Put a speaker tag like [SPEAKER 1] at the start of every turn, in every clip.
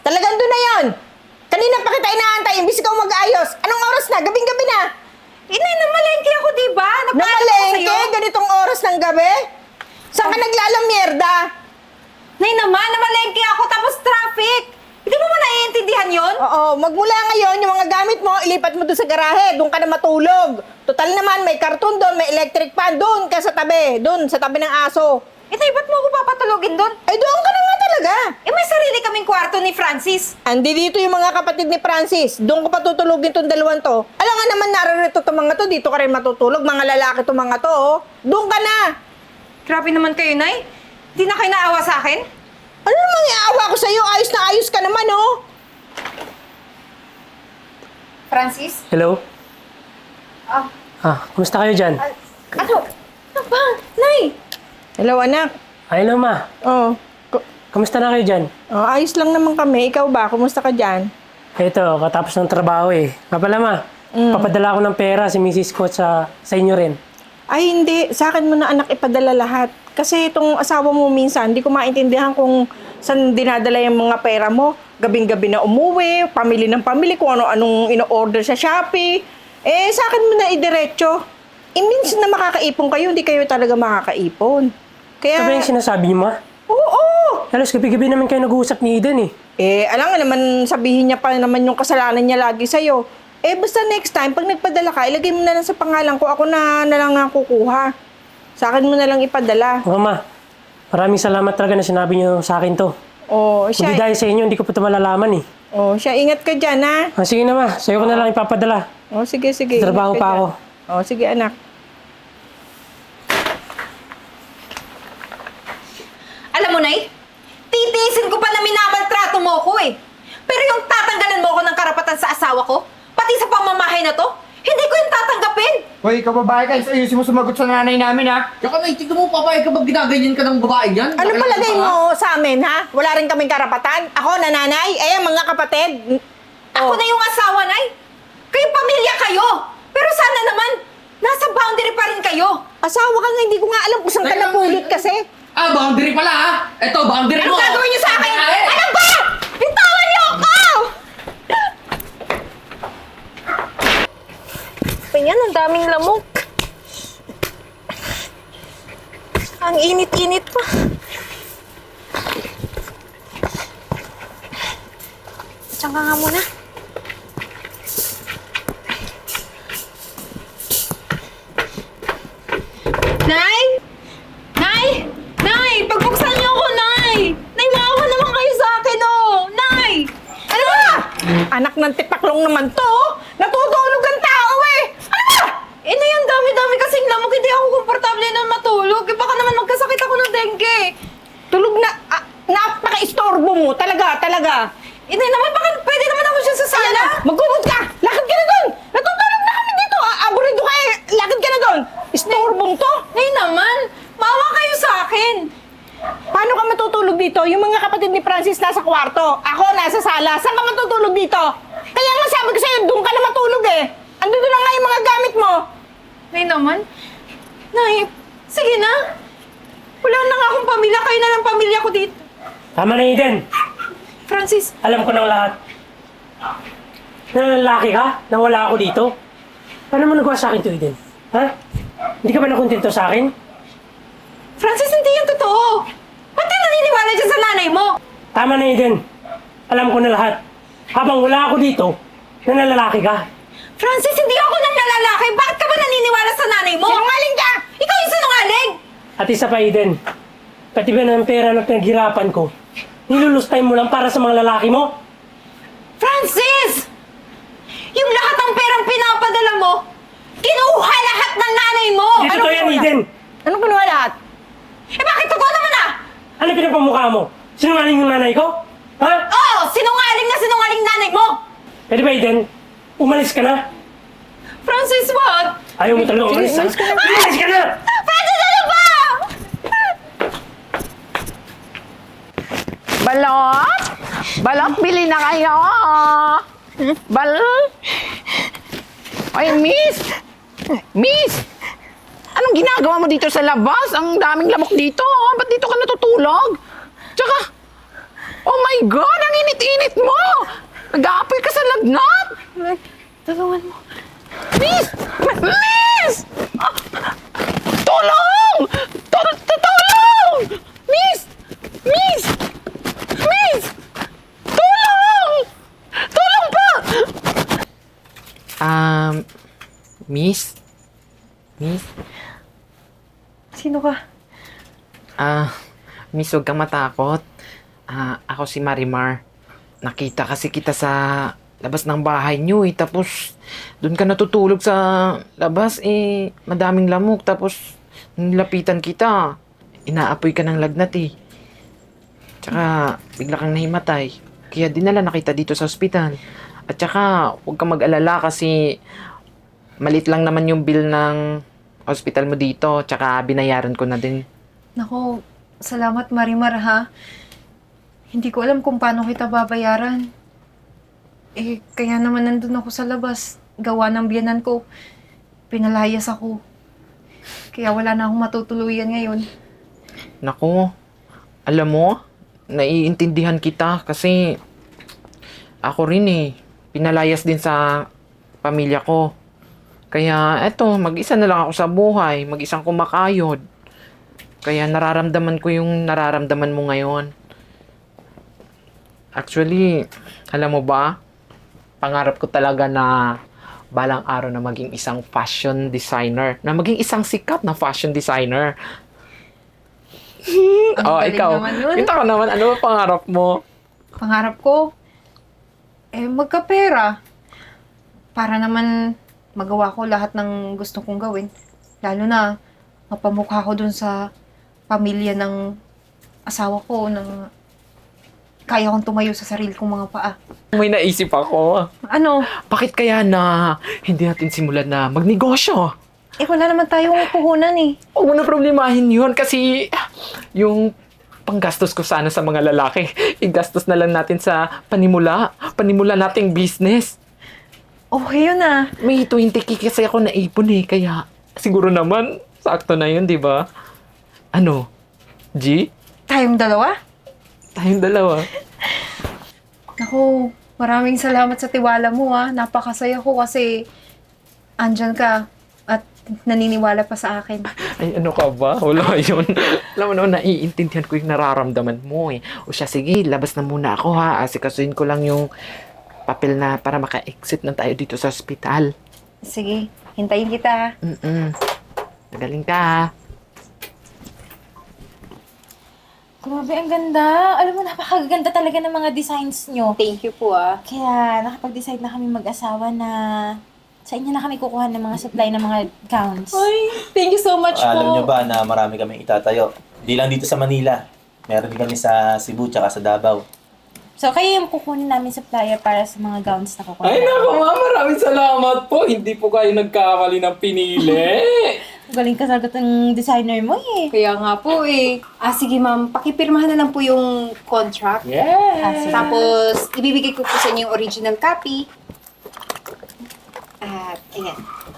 [SPEAKER 1] Talagang doon na yon. Kanina pa kita inaantay, imbis ikaw mag-ayos. Anong oras na? Gabing-gabi na.
[SPEAKER 2] Inay, namalengke ako, diba?
[SPEAKER 1] Namalengke? Ganitong oras ng gabi? Saan ka naglalamierda?
[SPEAKER 2] Nay naman, namalengke ako tapos traffic. Hindi mo ba naiintindihan yon?
[SPEAKER 1] Oo, magmula ngayon, yung mga gamit mo, ilipat mo doon sa garahe. Doon ka na matulog. Total naman, may karton doon, may electric fan. Doon ka sa tabi. Doon, sa tabi ng aso.
[SPEAKER 2] Inay, ba't mo ako papatulogin doon?
[SPEAKER 1] Ay, doon ka na nga talaga.
[SPEAKER 2] May sarili kaming kwarto ni Francis.
[SPEAKER 1] Andi dito yung mga kapatid ni Francis. Doon ko patutulugin tong dalawang to. Alam nga naman, naririto itong mga to. Dito ka rin matutulog. Mga lalaki itong mga to, oh. Doon ka na.
[SPEAKER 2] Grabe naman kayo, Nay. Hindi na kayo naawa sa akin?
[SPEAKER 1] Ano namang iaawa ko sa'yo? Ayos na ayos ka naman, oh.
[SPEAKER 2] Francis?
[SPEAKER 3] Hello?
[SPEAKER 2] Ah,
[SPEAKER 3] Kumusta kayo dyan?
[SPEAKER 2] ano? Ano ba? Nay!
[SPEAKER 1] Hello, anak.
[SPEAKER 3] Hello, ma.
[SPEAKER 1] Oh,
[SPEAKER 3] Kamusta na kayo dyan?
[SPEAKER 1] oh, ayos lang naman kami. Ikaw ba? Kumusta ka dyan?
[SPEAKER 3] Ito, katapos ng trabaho eh. Nga pala, ma. Papadala ko ng pera si Mrs. ko sa inyo rin.
[SPEAKER 1] Ay, hindi. Sa akin mo na anak ipadala lahat. Kasi itong asawa mo minsan, hindi ko maintindihan kung saan dinadala yung mga pera mo. Gabing-gabi na umuwi, pamili ng pamili, kung ano-anong ino-order sa Shopee. Eh, sa akin mo na idiretso. Minsan na makakaipon kayo, hindi kayo talaga makakaipon. Kaya...
[SPEAKER 3] Ano ba yung sinasabi niyo, ma?
[SPEAKER 1] Oo!
[SPEAKER 3] Halos gabi-gabi naman kayo nag-uusap ni Eden eh.
[SPEAKER 1] Eh, alam nga naman, sabihin niya pa naman yung kasalanan niya lagi sa'yo. Eh, basta next time, pag nagpadala ka, ilagay mo na lang sa pangalan ko, ako na lang nga kukuha. Sa akin mo na lang ipadala.
[SPEAKER 3] Mama, maraming salamat talaga na sinabi niyo sa akin to.
[SPEAKER 1] Oh,
[SPEAKER 3] Hindi
[SPEAKER 1] siya,
[SPEAKER 3] dahil sa inyo, hindi ko pa ito malalaman eh.
[SPEAKER 1] oh, siya, ingat ka dyan, ha?
[SPEAKER 3] Sige na, ma. Sa'yo ko na lang ipapadala.
[SPEAKER 1] Oh, sige, sige.
[SPEAKER 3] Trabaho
[SPEAKER 1] ingat ka
[SPEAKER 3] pa
[SPEAKER 1] dyan.
[SPEAKER 3] ako.
[SPEAKER 1] Oh, sige, anak.
[SPEAKER 2] Alam mo, Nay, titiisin ko pa na minamaltrato mo ko eh. Pero yung tatanggalan mo ko ng karapatan sa asawa ko, pati sa pamamahay na to, hindi ko yung tatanggapin.
[SPEAKER 4] Hoy, ikaw babae ka, ayusin mo sumagot sa nanay namin, ha?
[SPEAKER 5] Tsaka naitignan mo, papayag ka ba ginaganyan ka ng babae yan?
[SPEAKER 1] Ano
[SPEAKER 5] Bakit
[SPEAKER 1] palagay
[SPEAKER 5] ka, ha?
[SPEAKER 1] mo sa amin, ha? Wala rin kaming karapatan? Ako, nanay? Eh, mga kapatid?
[SPEAKER 2] Ako na yung asawa, Nay. Kayo pamilya kayo. Pero sana naman, nasa boundary pa rin kayo.
[SPEAKER 1] Asawa ka nga, hindi ko nga alam kung saan ka
[SPEAKER 5] Teka,
[SPEAKER 1] napulot kasi.
[SPEAKER 5] Ah, boundary pala ha? Eto, boundary
[SPEAKER 2] Anong
[SPEAKER 5] mo!
[SPEAKER 2] gagawin niyo sa akin?
[SPEAKER 5] Ay,
[SPEAKER 2] Ano ba? Bitawan niyo ako! Ganyan, ang daming lamok. Ang init-init pa. Diyan ka nga muna. Nay! Nay! Nay! Pagbuksan niyo ako, Nay! Nay, maawa naman kayo sa akin, oh! Nay! Ano ba?
[SPEAKER 1] Anak ng tipaklong naman to, oh. Natutulog ang tao, eh. Ano ba?
[SPEAKER 2] Eh, Nay, ang dami-dami kasing lamok. Hindi ako komportable na matulog. Eh, baka naman magkasakit ako ng dengue.
[SPEAKER 1] Tulog na, napaka-istorbo mo. Talaga.
[SPEAKER 2] Eh, Nay, naman, baka pwede naman ako siya sa sala.
[SPEAKER 1] Magkumod ka! Lakad ka na doon! Natutulog na kami dito! Aburido ka eh! Lakad ka na doon! Istorbong to!
[SPEAKER 2] Nay naman, maawa kayo sa akin.
[SPEAKER 1] Paano ka matutulog dito? Yung mga kapatid ni Francis nasa kwarto. Ako nasa sala. Saan ka matutulog dito? Kaya nga sabi ko sa'yo, doon ka na matulog eh. Andito na nga yung mga gamit mo.
[SPEAKER 2] Nay naman, Nay, sige na. Wala na nga akong pamilya. Kayo na lang pamilya ko dito.
[SPEAKER 3] Tama na, Eden.
[SPEAKER 2] Francis,
[SPEAKER 3] Alam ko ng lahat. Nalalaki ka? Nawala ako dito? Paano mo nagawa sa akin to, Eden? Ha? Hindi ka ba nakontento sa akin?
[SPEAKER 2] Francis, hindi yan totoo. Ba't ka naniniwala dyan sa nanay mo?
[SPEAKER 3] Tama na, Eden. Alam ko na lahat. Habang wala ako dito, nalalaki ka.
[SPEAKER 2] Francis, hindi ako nang nalalaki. Bakit ka ba naniniwala sa nanay mo?
[SPEAKER 1] Sinungaling ka!
[SPEAKER 2] Ikaw yung sinungaling!
[SPEAKER 3] At isa pa, Eden. Pati ba ng pera na pinaghirapan ko, nilulustay mo lang para sa mga lalaki mo?
[SPEAKER 2] Francis! Yung lahat ng perang pinapadala mo, kinuha lahat ng nanay mo!
[SPEAKER 3] Hindi totoo yan, Eden.
[SPEAKER 1] Anong kinuha lahat?
[SPEAKER 2] Eh bakit totoo naman ah?
[SPEAKER 3] Ano pinapamukha mo? Sinungaling yung nanay ko? Ha?
[SPEAKER 2] Oo! Sinungaling nanay mo!
[SPEAKER 3] Pwede ba, Eden? Umalis ka na.
[SPEAKER 2] Francis, what?
[SPEAKER 3] Ayaw mo talaga umalis, ha?
[SPEAKER 1] Umalis ka na.
[SPEAKER 3] Umalis ka na!
[SPEAKER 2] Francis, ano ba?
[SPEAKER 6] Balot? Balot, bili na kayo. Balot? Ay, miss! Miss! Anong ginagawa mo dito sa labas? Ang daming lamok dito. Ba't dito ka natutulog? Tsaka, Oh my God! Ang init-init mo! Nag-aapoy ka sa lagnat!
[SPEAKER 2] Tulungan mo.
[SPEAKER 6] Miss! Miss! Ah! Tulong! Tulong! Miss! Miss! Miss! Tulong! Tulong po! Miss? Miss?
[SPEAKER 2] Sino ka?
[SPEAKER 6] Miss, huwag kang matakot. Ako si Marimar. Nakita kasi kita sa labas ng bahay niyo eh. Tapos, doon ka natutulog sa labas eh. Madaming lamok. Tapos, nilapitan kita. Inaapoy ka ng lagnat eh. Tsaka, bigla kang nahimatay. Kaya dinala na kita dito sa ospital. At tsaka, huwag kang mag-alala kasi malit lang naman yung bill ng hospital mo dito. Tsaka, binayaran ko na din.
[SPEAKER 2] Nako, salamat Marimar ha. Hindi ko alam kung paano kita babayaran. Eh, kaya naman nandun ako sa labas. Gawa ng biyanan ko. Pinalayas ako. Kaya wala na akong matutuluyan ngayon.
[SPEAKER 6] Naku, alam mo, naiintindihan kita kasi ako rin eh, pinalayas din sa pamilya ko. Kaya eto, mag-isa na lang ako sa buhay, mag-isang kumakayod. Kaya nararamdaman ko yung nararamdaman mo ngayon. Actually, alam mo ba, pangarap ko talaga na balang araw na maging isang fashion designer, na maging isang sikat na fashion designer.
[SPEAKER 2] Ang
[SPEAKER 6] Oh,
[SPEAKER 2] galing
[SPEAKER 6] ikaw.
[SPEAKER 2] naman nun.
[SPEAKER 6] Kita ko naman, ano ba pangarap mo?
[SPEAKER 2] Pangarap ko, magkapera. Para naman magawa ko lahat ng gusto kong gawin. Lalo na, mapamukha ko dun sa pamilya ng asawa ko na kaya kong tumayo sa sarili kong mga paa.
[SPEAKER 6] May naisip ako.
[SPEAKER 2] Ano?
[SPEAKER 6] Bakit kaya na hindi natin simulan na magnegosyo?
[SPEAKER 2] Wala naman tayong puhunan eh.
[SPEAKER 6] Huwag mo na problemahin yun kasi yung panggastos ko sana sa mga lalaki, igastos na lang natin sa panimula nating business.
[SPEAKER 2] Okay yun ah.
[SPEAKER 6] May 20k kasi ako naipon eh, kaya siguro naman, sakto na yun, di ba? Ano? G?
[SPEAKER 2] Tayong dalawa?
[SPEAKER 6] Tayong dalawa.
[SPEAKER 2] Naku, maraming salamat sa tiwala mo ah. Napakasaya ko kasi andyan ka at naniniwala pa sa akin.
[SPEAKER 6] Ay, ano ka ba? Wala yun. Alam mo naman, naiintindihan ko yung nararamdaman mo eh. O siya, sige, labas na muna ako ha. Asikasuhin ko lang yung papel na para maka-exit na tayo dito sa ospital.
[SPEAKER 2] Sige, hintayin kita.
[SPEAKER 6] Magaling ka ha.
[SPEAKER 7] Grabe, ang ganda. Alam mo, napakaganda talaga ng mga designs nyo.
[SPEAKER 2] Thank you po ah.
[SPEAKER 7] Kaya nakapag-decide na kami mag-asawa na sa inyo na kami kukuha ng mga supply ng mga gowns.
[SPEAKER 2] Thank you so much
[SPEAKER 8] Alam nyo ba na marami kaming itatayo? Di lang dito sa Manila. Meron din kami sa Cebu tsaka sa Davao.
[SPEAKER 7] So, kayo yung kukunin namin supplier para sa mga gowns na kukuha.
[SPEAKER 3] Ay, naku ma, maraming salamat po. Hindi po kayo nagkamali ng pinili.
[SPEAKER 7] Galing ka sagot ng designer mo eh.
[SPEAKER 2] Kaya nga po eh. Sige ma'am, pakipirmahan na lang po yung contract.
[SPEAKER 3] Yeah.
[SPEAKER 2] Tapos, ibibigay ko po sa inyo yung original copy. At, ayan.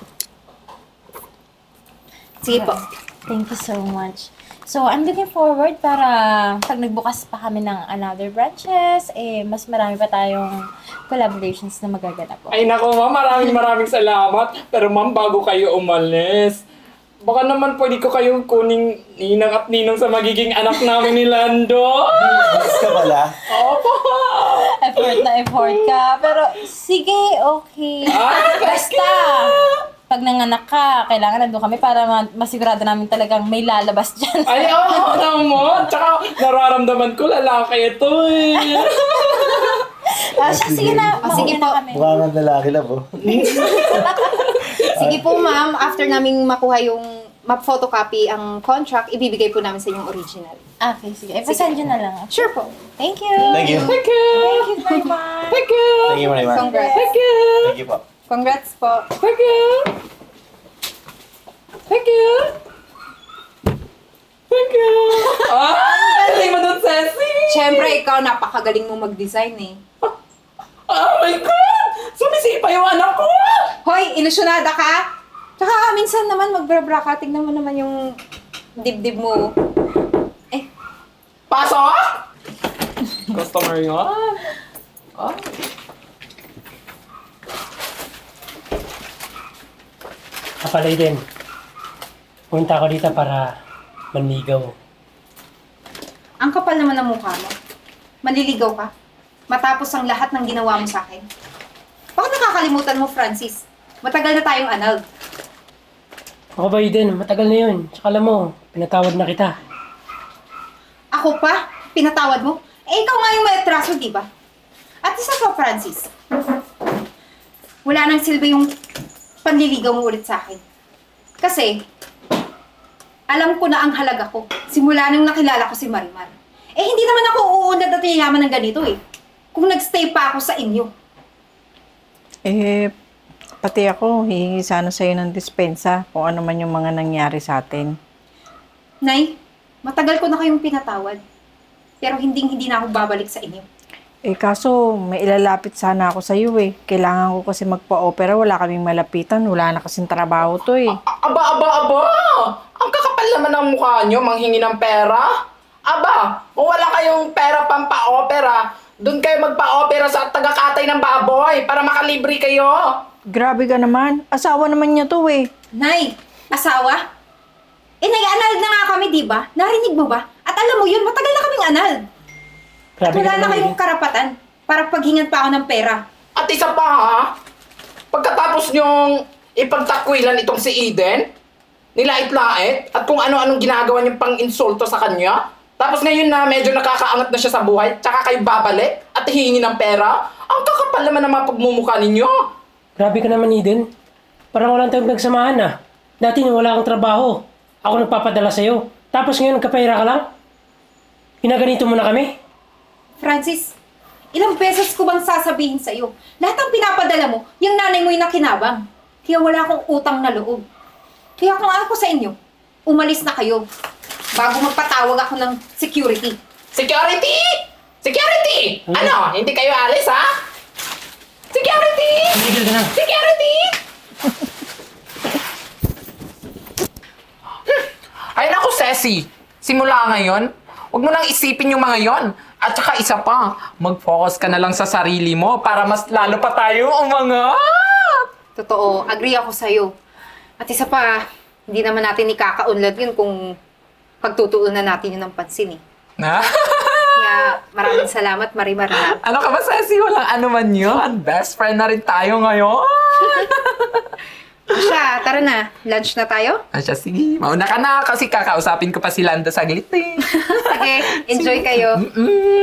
[SPEAKER 2] Sige po.
[SPEAKER 7] Thank you so much. So, I'm looking forward para pag nagbukas pa kami ng another branches, mas marami pa tayong collaborations na magaganap po.
[SPEAKER 3] Ay naku ma, maraming salamat. Pero ma'am, bago kayo umalis, baka naman pwede ko kayong kuning ninang at ninong sa magiging anak namin ni Lando.
[SPEAKER 8] Yes ka pala?
[SPEAKER 3] Opo.
[SPEAKER 7] Effort ka. Pero, sige, okay. Basta, pag nanganak ka, kailangan nandun kami para masigurado namin talagang may lalabas dyan.
[SPEAKER 3] Ay, oo naman. Tsaka nararamdaman ko lalaki ito eh.
[SPEAKER 7] Sige na.
[SPEAKER 2] sige
[SPEAKER 7] mauna
[SPEAKER 2] po.
[SPEAKER 7] kami.
[SPEAKER 8] Mukha kang lalaki lang po.
[SPEAKER 2] Sige po ma'am, after naming makuha yung map-photocopy ang contract, ibibigay po namin sa inyong original.
[SPEAKER 7] Okay, sige. Pasend nyo na lang.
[SPEAKER 2] Sure po.
[SPEAKER 7] Thank you.
[SPEAKER 8] Thank you.
[SPEAKER 3] Thank you.
[SPEAKER 7] Thank you very much.
[SPEAKER 3] Thank you.
[SPEAKER 8] Thank you, Marimar.
[SPEAKER 2] Congrats.
[SPEAKER 3] Thank you.
[SPEAKER 8] Thank you po.
[SPEAKER 2] Congrats po.
[SPEAKER 3] Thank you. Thank you. Thank you. Galing mo dun, Ceci.
[SPEAKER 2] Siyempre, ikaw napakagaling mo mag-design eh.
[SPEAKER 3] Oh my God! Sumisipa yung anak ko!
[SPEAKER 2] Hoy, ilusyonada ka? Tsaka minsan naman magbra-bra ka, tignan mo naman yung dibdib mo.
[SPEAKER 3] Pasok! customer yan. Ah.
[SPEAKER 9] Kapalay din. Punta ako dito para manligaw.
[SPEAKER 2] Ang kapal naman ng mukha mo. Manliligaw ka? Matapos ang lahat ng ginawa mo sa akin. Bakit nakakalimutan mo, Francis? Matagal na tayong annulled.
[SPEAKER 9] Ako ba din? Matagal na yun. Tsaka alam mo, pinatawad na kita.
[SPEAKER 2] Ako pa? Pinatawad mo? Eh, ikaw nga yung may atraso, di ba? At isa pa, Francis. Wala nang silbi yung panliligaw mo ulit sa akin. Kasi, alam ko na ang halaga ko. Simula nang nakilala ko si Marimar. Eh, hindi naman ako uunad at yayaman ng ganito eh. Kung nagstay pa ako sa inyo.
[SPEAKER 1] Eh, pati ako, hihingi sana sa'yo ng dispensa kung ano man yung mga nangyari sa atin.
[SPEAKER 2] Nay, matagal ko na kayong pinatawad. Pero hindi na ako babalik sa inyo.
[SPEAKER 1] Eh, kaso may ilalapit sana ako sa'yo eh. Kailangan ko kasi magpa-opera, wala kaming malapitan, wala na kasing trabaho to eh.
[SPEAKER 3] Aba! Ang kakapal naman ng mukha nyo, manghingi ng pera. Aba, kung wala kayong pera pang pa-opera, doon kayo magpa-opera sa taga-katay ng baboy para makalibre kayo.
[SPEAKER 1] Grabe ka naman, asawa naman niya to eh.
[SPEAKER 2] Nay, asawa? Eh, nag-annulled na nga kami, di ba? Narinig mo ba? At alam mo yun, matagal na kaming annulled. At
[SPEAKER 9] Grabe
[SPEAKER 2] wala
[SPEAKER 9] ka
[SPEAKER 2] na
[SPEAKER 9] naman,
[SPEAKER 2] kayong karapatan para paghingan pa ako ng pera.
[SPEAKER 3] At isa pa ha, pagkatapos nyong ipagtakwilan itong si Eden, nilait-lait, at kung ano-anong ginagawa niyong pang-insulto sa kanya, tapos ngayon na medyo nakakaangat na siya sa buhay, tsaka kayo babalik at hihingi ng pera, ang kakapal naman ng mga pagmumukha ninyo.
[SPEAKER 9] Grabe ka naman, Eden. Parang walang tayong nagsamahan ah. Dati nung wala kang trabaho, ako nagpapadala sa'yo. Tapos ngayon nagkapera ka lang? Pinaganito mo na kami?
[SPEAKER 2] Francis, ilang beses ko bang sasabihin sa'yo? Lahat ng pinapadala mo, yung nanay mo yung nakinabang. Kaya wala akong utang na loob. Kaya kung ako sa inyo, umalis na kayo bago magpatawag ako ng security.
[SPEAKER 3] Security! Security! Ano? Hindi kayo alis ha? Security!
[SPEAKER 9] Tigil ka na.
[SPEAKER 3] Security! Ay naku, Ceci. Simula ngayon, huwag mo nang isipin yung mga yon. At saka isa pa, mag-focus ka na lang sa sarili mo para mas lalo pa tayo umangat.
[SPEAKER 2] Totoo, agree ako sa'yo. At isa pa, hindi naman natin ikakaunlad yun kung pagtutuunan natin yun ng pansin eh.
[SPEAKER 3] Na?
[SPEAKER 2] Kaya maraming salamat, Marimar. Ha?
[SPEAKER 3] Ano ka ba, Ceci? Walang ano man yun. Best friend na rin tayo ngayon.
[SPEAKER 2] Asya, tara na. Lunch na tayo?
[SPEAKER 3] Asya, sige. Mauna ka na kasi kakausapin ko pa si Landa saglit eh.
[SPEAKER 2] Sige, enjoy kayo.